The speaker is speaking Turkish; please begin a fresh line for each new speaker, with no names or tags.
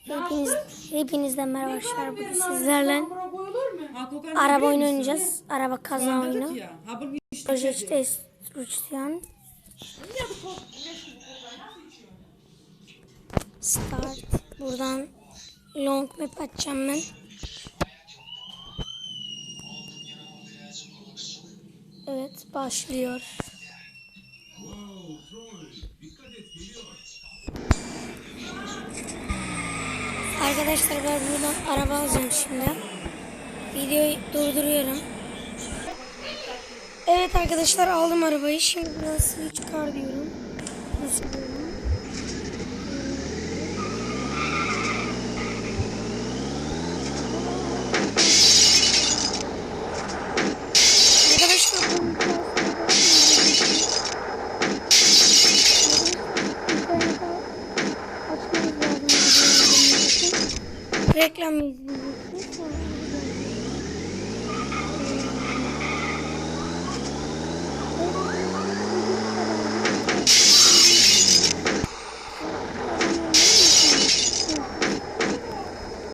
Hepinizden merhaba arkadaşlar. Bugün sizlerle araba oyunu oynayacağız. Araba kaza oyunu. Project Destruction. Start. Buradan long map açacağım ben. Evet, başlıyor. Arkadaşlar ben buradan araba alacağım şimdi. Videoyu durduruyorum. Evet arkadaşlar, aldım arabayı. Şimdi biraz switch car diyorum. Nasıl diyorum? Arkadaşlar reklam izleyeceksiniz.